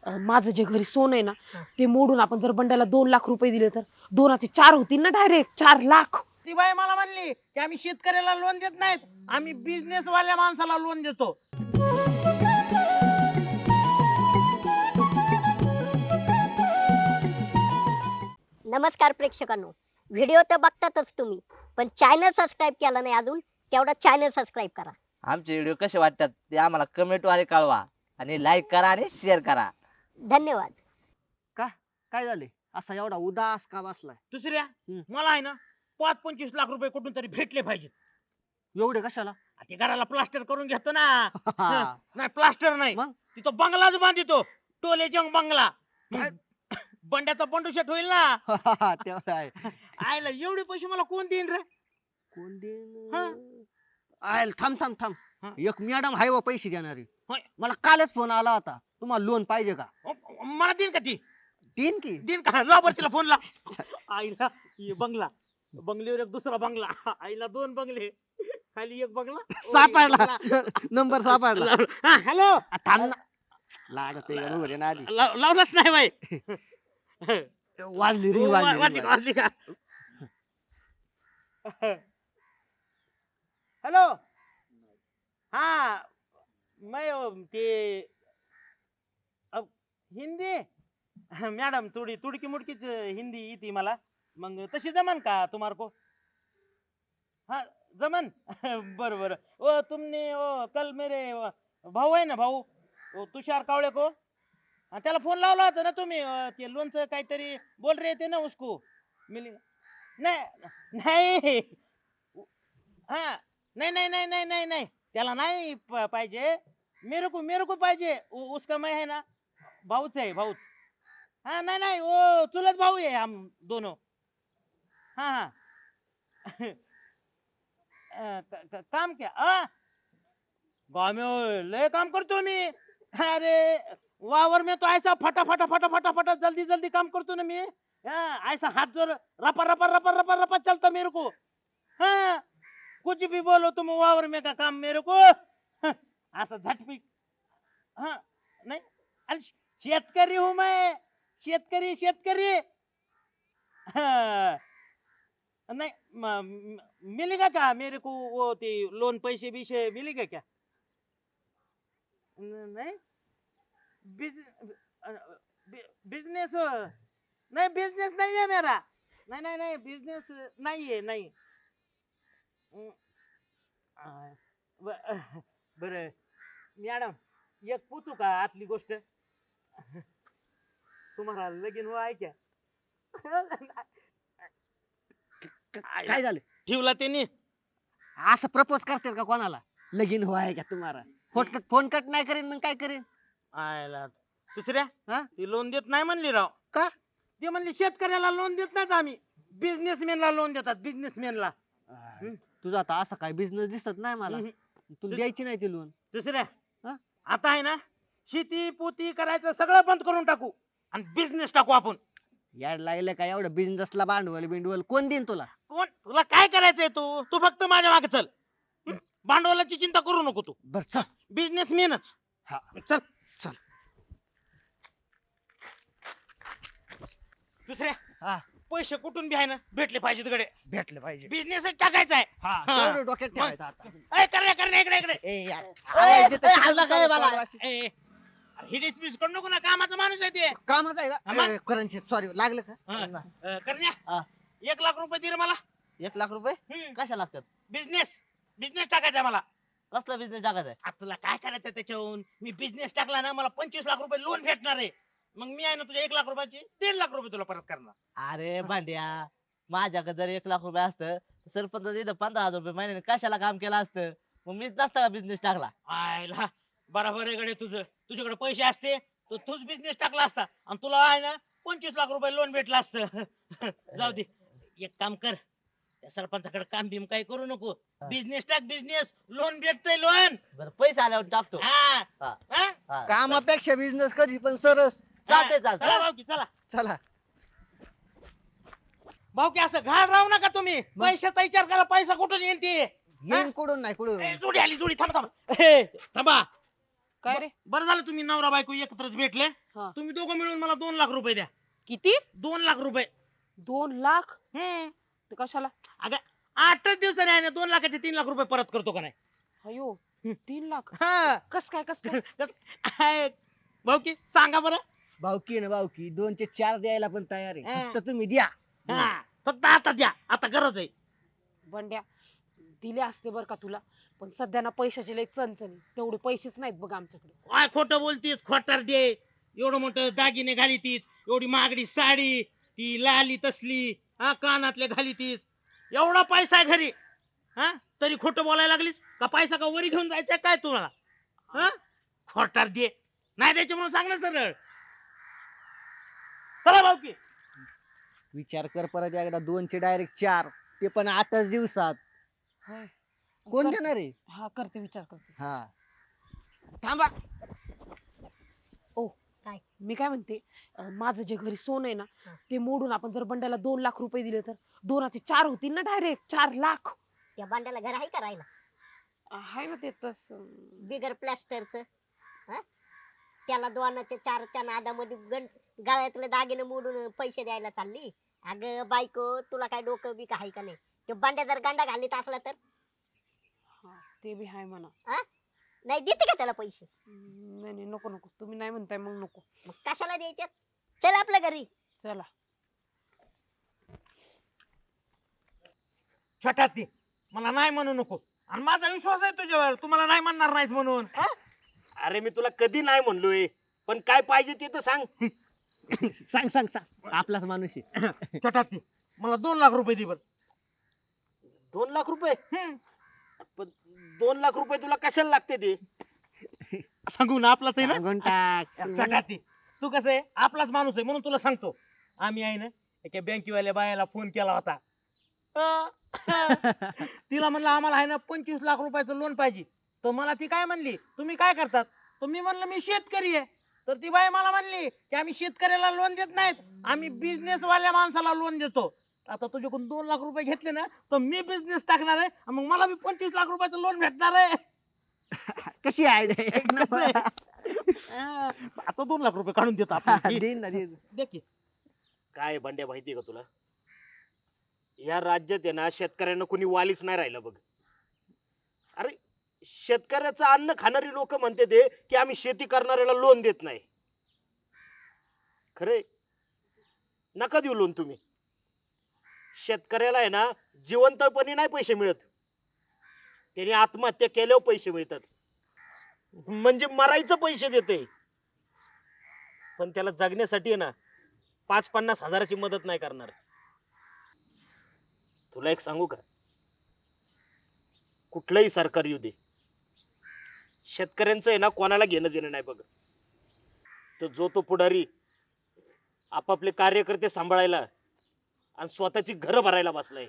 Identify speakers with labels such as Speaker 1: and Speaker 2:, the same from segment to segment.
Speaker 1: माझं जे घरी सोनं आहे ना ते मोडून आपण जर बंड्याला 2 लाख रुपये दिले तर 2 4 होतील ना, डायरेक्ट 4 लाख.
Speaker 2: ती बाई मला म्हणली की आम्ही शेतकऱ्याला लोन देत नाहीत, आम्ही बिझनेस वाल्या माणसाला लोन देतो.
Speaker 3: नमस्कार प्रेक्षकांनो, व्हिडिओ तर बघतातच तुम्ही, पण चॅनल सबस्क्राईब केला नाही अजून, तेवढा चॅनल सबस्क्राईब करा.
Speaker 4: आमचे व्हिडिओ कसे वाटतात ते आम्हाला कमेंट द्वारे कळवा आणि लाईक करा आणि शेअर करा.
Speaker 3: धन्यवाद.
Speaker 5: काय झाले असा एवढा उदास का बसलाय?
Speaker 2: दुसऱ्या मला आहे ना 5-25 लाख रुपये कुठून तरी भेटले पाहिजेत.
Speaker 5: एवढे कशाला?
Speaker 2: ते घराला प्लास्टर करून घेतो ना. नाही प्लास्टर नाही,
Speaker 5: मग?
Speaker 2: तिथं बंगलाच बांधितो, टोले जंग बंगला. बंड्याचा बंडू शेट होईल ना.
Speaker 5: तेवढा आहे.
Speaker 2: आयला एवढे पैसे मला कोण देईन रे?
Speaker 5: कोण
Speaker 2: हा.
Speaker 5: देईन? आयल थांब थांब थांब.
Speaker 2: हा.
Speaker 5: एक मॅडम आहे व पैसे देणारी.
Speaker 2: होय.
Speaker 5: मला कालच फोन आला होता, तुम्हाला लोन पाहिजे का?
Speaker 2: मला देईन का ती?
Speaker 5: देईन की.
Speaker 2: देईन का? लाव बरं तिला फोन ला. आईला ये बंगला, बंगल्यावर एक दुसरा बंगला, आईला 2 बंगले, खाली एक बंगला.
Speaker 5: सापडला नंबर सापडला.
Speaker 2: हॅलो,
Speaker 5: थांब ना. लागत आहे का बघू ना आधी.
Speaker 2: लावलाच नाही बाई.
Speaker 5: वाजली ring वाजली
Speaker 2: वाजली
Speaker 5: ring
Speaker 2: का? वाजली का? हेलो, हाँ मैं ते हिंदी मॅडम थोडी तुडकी मुडकीच हिंदी येते मला, मग तशी जमन का तुम्हारे को? हाँ जमन. बरं बरं. ओ तुमने ओ कल मेरे भाऊ आहे ना, भाऊ तुषार कावळे को, त्याला फोन लावला होता ना तुम्ही, ते लोनचं काहीतरी बोल रहे थे ना उसको मिली. नाही नाही, हा नहीं नहीं नहीं नहीं नहीं नहीं, त्याला नाही पाहिजे, मेरे को पाहिजे. उसका मैं है ना भाऊच है, भाऊच. हाँ नहीं नहीं, वो चुलत भाऊ है हम दोनों. हाँ हाँ. काम क्या? गाँव में लय काम करतो मी. अरे वावर में तो ऐसा फटा फटा फटा फटा फटा जल्दी जल्दी काम करतो ना मी. ऐसा हाथ जोर रपा रपा रपा रपा रपा चलता मेरे को. हाँ कुछ भी बोलो तुम, वावर में का काम मेरे को. असं झटपट. हाँ नहीं, अरे शेतकरी हूं मैं, शेतकरी शेतकरी. हाँ. नहीं मिलेगा क्या मेरे को वो ते लोन, पैसे बीसे मिलेगा क्या? नहीं बिजनेस नहीं, बिजनेस नहीं है मेरा. नहीं नहीं नहीं, बिजनेस नहीं है, नहीं. बर मॅडम, एक पूछू का आतली गोष्ट? तुम्हाला लगीन हुआ है क्या?
Speaker 5: काय झालं?
Speaker 2: ठेवला त्यांनी.
Speaker 5: असं प्रपोज करतात का कोणाला? लगीन व्हाय का तुम्हाला? फोन कट नाही करीन मग काय करीन?
Speaker 2: आयला दुसऱ्या
Speaker 5: हा?
Speaker 2: ती लोन देत नाही म्हणली राव.
Speaker 5: का?
Speaker 2: ते म्हणली शेतकऱ्याला लोन देत नाहीत आम्ही, बिझनेसमॅनला लोन देतात, बिझनेसमॅनला.
Speaker 5: तुझा आता असा काय बिझनेस दिसत नाही मला. तुला द्यायची नाही ती लोन.
Speaker 2: दुसऱ्या
Speaker 5: हा?
Speaker 2: आता आहे ना, शेती पोती करायचं सगळं बंद करून टाकू आणि बिझनेस टाकू आपण.
Speaker 5: याड लागलं का एवढं बिझनेसला भांडवल बिंडवल कोण देईन तुला?
Speaker 2: कोण? तुला काय करायचंय? तू तू फक्त माझ्या मागे चल. भांडवलाची चिंता करू नको तू,
Speaker 5: बर चल.
Speaker 2: बिझनेसमॅनच.
Speaker 5: हा
Speaker 2: चल
Speaker 5: चल.
Speaker 2: दुसऱ्या
Speaker 5: हा
Speaker 2: पैसे कुठून बी आहे ना भेटले पाहिजेत गडे.
Speaker 5: भेटले पाहिजे.
Speaker 2: बिझनेसच टाकायचा आहे.
Speaker 5: हा
Speaker 2: हा.
Speaker 5: तेवढं डोक्यात ठेवायचं आता.
Speaker 2: करण्या इकडे इकडे.
Speaker 5: ए यार.
Speaker 4: ए,
Speaker 5: जिथं
Speaker 4: ए, हल्ला काय मला?
Speaker 2: ए, ही डिस्मिस करू नको ना, कामाचा माणूस आहे ते.
Speaker 5: कामच आहे
Speaker 2: हा,
Speaker 5: का?
Speaker 2: मग?
Speaker 5: करन्सी सॉरी लागलं का?
Speaker 2: करण्या
Speaker 4: हा.
Speaker 2: 1 लाख रुपये दे रे मला.
Speaker 4: 1 लाख रुपये कशा लागतात?
Speaker 2: बिझनेस बिझनेस टाकायचा मला.
Speaker 4: कसला बिझनेस टाकायचा आहे?
Speaker 2: आता तुला काय करायचं त्याच्याहून? मी बिझनेस टाकला ना, मला 25 लाख रुपये लोन भेटणार आहे. मग मी आहे ना तुझ्या 1 लाख रुपयाची 1.5 लाख रुपये तुला परत करणार.
Speaker 4: अरे भांड्या, माझ्याकडे जर 1 लाख रुपये असतं, सरपंच इथं 15,000 रुपये महिन्याने कशाला काम केलं असतं? मग मीच नसता का बिझनेस टाकला?
Speaker 2: आयला बरोबर आहे गडे तुझं. तुझ्याकडे पैसे असते तर तूच बिझनेस टाकला असता आणि तुला आहे ना 25 लाख रुपये लोन भेटलं असतं. जाऊ दे, एक काम कर, त्या सरपंचाकडे काम बिम काही करू नको. बिझनेस टाक, बिझनेस, लोन भेटतंय लोन.
Speaker 4: बरं पैसे आल्यावर टाकतो.
Speaker 2: हा
Speaker 4: हा,
Speaker 2: हा?
Speaker 4: हा.
Speaker 5: कामापेक्षा बिझनेस कधी पण सरस.
Speaker 4: चालतंय,
Speaker 2: चला
Speaker 4: चालतंय.
Speaker 2: भाऊकी चला.
Speaker 5: चला.
Speaker 2: भाऊकी असं घाण राहू नका तुम्ही. पैशाचा विचार करा, पैसा कुठून येईल ते.
Speaker 5: येईन कुठून नाही कुठून.
Speaker 2: ए, जोडी आली, जोडी. थांबा थांबा. ए, थांबा.
Speaker 1: काय रे?
Speaker 2: बरं झालं तुम्ही नवरा बायको एकत्रच भेटले.
Speaker 1: हा.
Speaker 2: तुम्ही दोघं मिळून मला 2 लाख रुपये द्या.
Speaker 1: किती?
Speaker 2: 2 लाख रुपये.
Speaker 1: 2 लाख?
Speaker 2: हम्म.
Speaker 1: ते कशाला?
Speaker 2: अगं 8च दिवसाने आहे ना 2 लाखाचे 3 लाख रुपये परत करतो का नाही?
Speaker 1: अयो 3 लाख?
Speaker 2: हा.
Speaker 1: कस काय कस काय?
Speaker 2: आहे. भाऊ की सांगा बरं.
Speaker 5: भाऊकी ना भाऊकी 2 चे 4 द्यायला पण तयार आहे
Speaker 2: हा.
Speaker 5: फक्त तुम्ही द्या.
Speaker 2: हा. फक्त आता द्या, आता गरज आहे.
Speaker 1: बंड्या, दिले असते बर का तुला, पण सध्या ना पैशाची लय चणचणी, तेवढे पैसेच नाहीत बघ आमच्याकडे.
Speaker 2: काय खोटं बोलतीस खोटारडे. एवढं मोठं दागिने घालीतीस, एवढी महागडी साडी, ती लाली तसली, हा कानातले घालीतीस, एवढा पैसा आहे घरी, हा तरी खोटं बोलायला लागलीस का? पैसा का वरी घेऊन जायचा काय तुम्हाला? हा खोटारडे. नाही द्यायचे म्हणून सांग ना सरळ. चला भाऊ की.
Speaker 5: विचार कर परत एकदा 2 चे डायरेक्ट 4 ते पण 8च दिवसात.
Speaker 1: होय.
Speaker 5: कोण
Speaker 1: कर-
Speaker 5: देणार आहे?
Speaker 1: हा करते, विचार करते.
Speaker 5: हा
Speaker 1: थांबा. ओ
Speaker 3: काय?
Speaker 1: मी काय म्हणते, माझं जे घरी सोनं आहे ना,
Speaker 3: हा.
Speaker 1: ते मोडून आपण जर बंड्याला 2 लाख रुपये दिले तर 2 4 होतील ना, डायरेक्ट 4 लाख.
Speaker 3: त्या बांड्याला घर आहे का राहायला?
Speaker 1: आहे ना ते तस.
Speaker 3: बिगर प्लॅस्टरचं. त्याला 2च्या 4च्या नादामध्ये गळ्यातले दागिने मोडून पैसे द्यायला चालली. अगं बायको, तुला काय डोकं बी आहे का नाही? तो बांड्या जर गांडा घालीत असला तर
Speaker 1: ते बी आहे म्हणा.
Speaker 3: नाही देते का त्याला पैसे?
Speaker 1: नाही नाही, नको नको, तुम्ही नाही म्हणताय मग नको.
Speaker 3: मग कशाला द्यायचे? चल आपल्या घरी.
Speaker 1: चला.
Speaker 2: छोटा ती मला नाही म्हणू नको, आणि माझा विश्वास आहे तुझ्यावर, तुम्हाला नाही म्हणणार नाहीस म्हणून.
Speaker 6: अरे मी तुला कधी नाही म्हणलोय, पण काय पाहिजे ते तर सांग.
Speaker 5: सांग सांग सांग आपलाच माणूस आहे.
Speaker 2: छोटा ती मला 2 लाख रुपये दे बर.
Speaker 6: 2 लाख रुपये? पण 2 लाख रुपये तुला कशाला लागते ते?
Speaker 2: सांगू ना, आपलाच आहे ना.
Speaker 5: सांगून टाक.
Speaker 2: छोटा ती तू कसं आहे, आपलाच माणूस आहे म्हणून तुला सांगतो. आम्ही आहे ना एका बँकेवाल्या बायाला फोन केला होता. तिला म्हणलं आम्हाला आहे ना 25 लाख रुपयाचं लोन पाहिजे. तर मला ती काय म्हणली, तुम्ही काय करतात? तर मी म्हणलं मी शेतकरी आहे. तर ती बाई मला म्हणली की आम्ही शेतकऱ्याला लोन देत नाहीत, आम्ही बिझनेस वाल्या माणसाला लोन देतो. आता तुझ्याकडून 2 लाख रुपये घेतले ना तर मी बिझनेस टाकणार आहे, आणि मग मला बी 25 लाख रुपयाचं लोन भेटणार आहे.
Speaker 5: कशी आयडिया? एक
Speaker 2: कसं
Speaker 5: नंबर.
Speaker 2: आहे? आता 2 लाख रुपये काढून देतो आपण.
Speaker 5: देईन ना देईन.
Speaker 2: दे की.
Speaker 6: काय बंड्या माहितीये का तुला, या राज्यात आहे ना शेतकऱ्यांना कोणी वालीच नाही राहिलं बघ. अरे शेतकऱ्याचं अन्न खाणारी लोक म्हणते ते की आम्ही शेती करणाऱ्याला लोन देत नाही. खरे नका देऊ लोन तुम्ही. शेतकऱ्याला आहे ना जिवंतपणी नाही पैसे मिळत, त्याने आत्महत्या केल्यावर पैसे मिळतात. म्हणजे मरायचं पैसे देते, पण त्याला जगण्यासाठी आहे ना 5-50 हजाराची मदत नाही करणार. तुला एक सांगू का, कुठलंही सरकार येऊ दे, शेतकऱ्यांचं आहे ना कोणाला घेणं देणं नाही बघ. तर जो तो पुढारी आपापले कार्यकर्ते सांभाळायला आणि स्वतःची घरं भरायला बसलाय.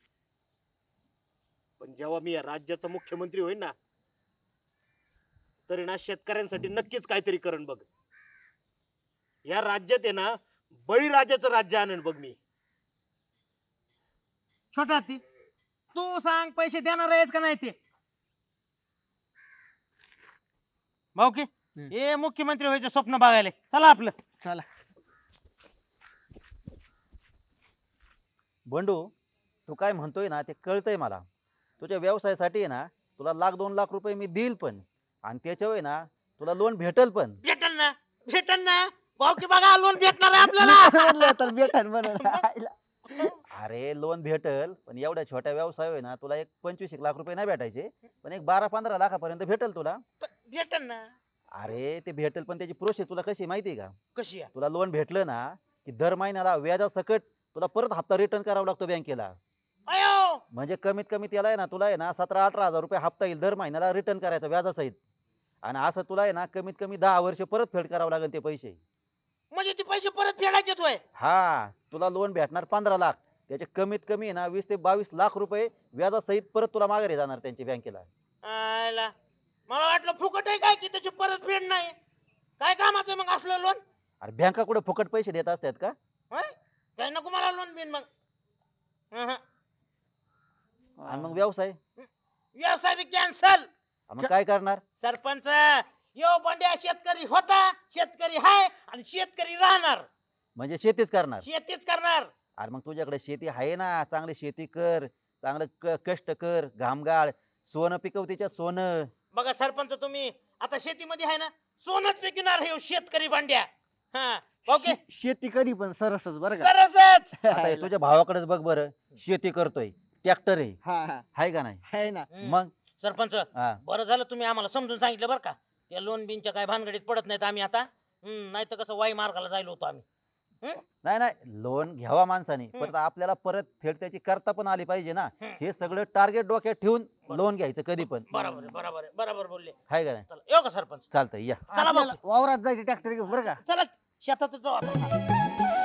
Speaker 6: पण जेव्हा मी या राज्याचा मुख्यमंत्री होईन ना, तरी ना शेतकऱ्यांसाठी नक्कीच काहीतरी करण बघ. या राज्यात आहे ना बळीराजाचं राज्य आणन बघ मी.
Speaker 2: छोटा ती तू सांग पैसे देणार आहेस का नाही ते? भाऊ की हे मुख्यमंत्री व्हायचं स्वप्न बघायला चला आपलं.
Speaker 5: चला.
Speaker 7: बंडू, तू काय म्हणतोय ना ते कळतंय मला. तुझ्या व्यवसायासाठी आहे ना तुला 1-2 लाख रुपये मी देईल पण, आणि त्याच्यावर आहे ना तुला लोन भेटल पण.
Speaker 2: भेटल ना, भेटल ना. भाऊ की बघा लोन भेटणार आहे आपल्याला.
Speaker 5: म्हणलं तर भेटन म्हणून.
Speaker 7: अरे लोन भेटल, पण एवढ्या छोट्या व्यवसाय आहे ना तुला एक 25 लाख रुपये नाही भेटायचे, पण एक 12-15 लाखापर्यंत भेटल तुला.
Speaker 2: भेटल ना.
Speaker 7: अरे ते भेटल, पण त्याची प्रोसेस तुला कशी आहे माहिती आहे का?
Speaker 2: कशी आहे?
Speaker 7: तुला लोन भेटलं ना की दर महिन्याला व्याजासकट तुला परत हप्ता रिटर्न करावा लागतो बँकेला.
Speaker 2: अयो
Speaker 7: म्हणजे कमीत कमी त्याला आहे ना तुला आहे ना 17-18 हजार रुपये हप्ता येईल दर महिन्याला रिटर्न करायचा व्याजासहित. आणि असं तुला आहे ना कमीत कमी 10 वर्ष परत फेड करावं लागेल ते पैसे.
Speaker 2: म्हणजे ते पैसे परत फेडायचे तोय?
Speaker 7: हा, तुला लोन भेटणार 15 लाख, त्याचे कमीत कमी आहे ना 20 ते 22 लाख रुपये व्याजासहित परत तुला माघारी जाणार त्यांची बँकेला.
Speaker 2: आयला मला वाटलं फुकट आहे काय की त्याची परत फेड नाही. काय कामाचं मग असलं लोन?
Speaker 7: अरे बँका कुठे फुकट पैसे देत असतात का?
Speaker 2: काय नको मला लोन बिन मग. अहं.
Speaker 7: आणि मग व्यवसाय
Speaker 2: व्यवसाय बी कॅन्सल.
Speaker 7: मग काय करणार?
Speaker 2: सरपंच यो बंड्या शेतकरी होता, शेतकरी हाय आणि शेतकरी राहणार.
Speaker 7: म्हणजे शेतीच करणार.
Speaker 2: शेतीच करणार.
Speaker 7: अरे मग तुझ्याकडे शेती आहे ना, चांगली शेती कर, चांगलं कष्ट कर, घामगाळ, सोनं पिकव त्याच्यात सोनं.
Speaker 2: बघा सरपंच, तुम्ही आता शेतीमध्ये आहे ना, सोनच पिकणार हे शेतकरी बंड्या. हा ओके,
Speaker 5: शेती कधी पण सरसच बरं का.
Speaker 2: सरसच.
Speaker 7: आता हे तुझ्या भावाकडेच बघ बरं, शेती करतोय, ट्रॅक्टर आहे,
Speaker 5: हा हा
Speaker 7: हाय का नाही?
Speaker 5: आहे ना.
Speaker 7: मग
Speaker 2: सरपंच,
Speaker 7: हा
Speaker 2: बरं झालं तुम्ही आम्हाला समजून सांगितलं बरं का. या लोन बिनच्या काय भानगडीत पडत नाहीत आम्ही आता. नाही तर कसं वाई मार्गाला जायलो होतो आम्ही.
Speaker 7: नाही नाही, लोन घ्यावा माणसाने,
Speaker 2: हम्म.
Speaker 7: परत आपल्याला परत फेड त्याची करता पण आली पाहिजे ना.
Speaker 2: हम्म.
Speaker 7: हे सगळं टार्गेट डोक्यात ठेवून लोन घ्यायचं कधी पण,
Speaker 2: बरोबर आहे, बरोबर आहे, बरोबर बोलले.
Speaker 7: हाय का नाही?
Speaker 2: चला येऊ का सरपंच?
Speaker 7: चालतंय या.
Speaker 2: चला
Speaker 5: आपल्याला वावरात जायचं ट्रॅक्टर घेऊन बरं का.
Speaker 2: चला शेतातच जाऊ आता.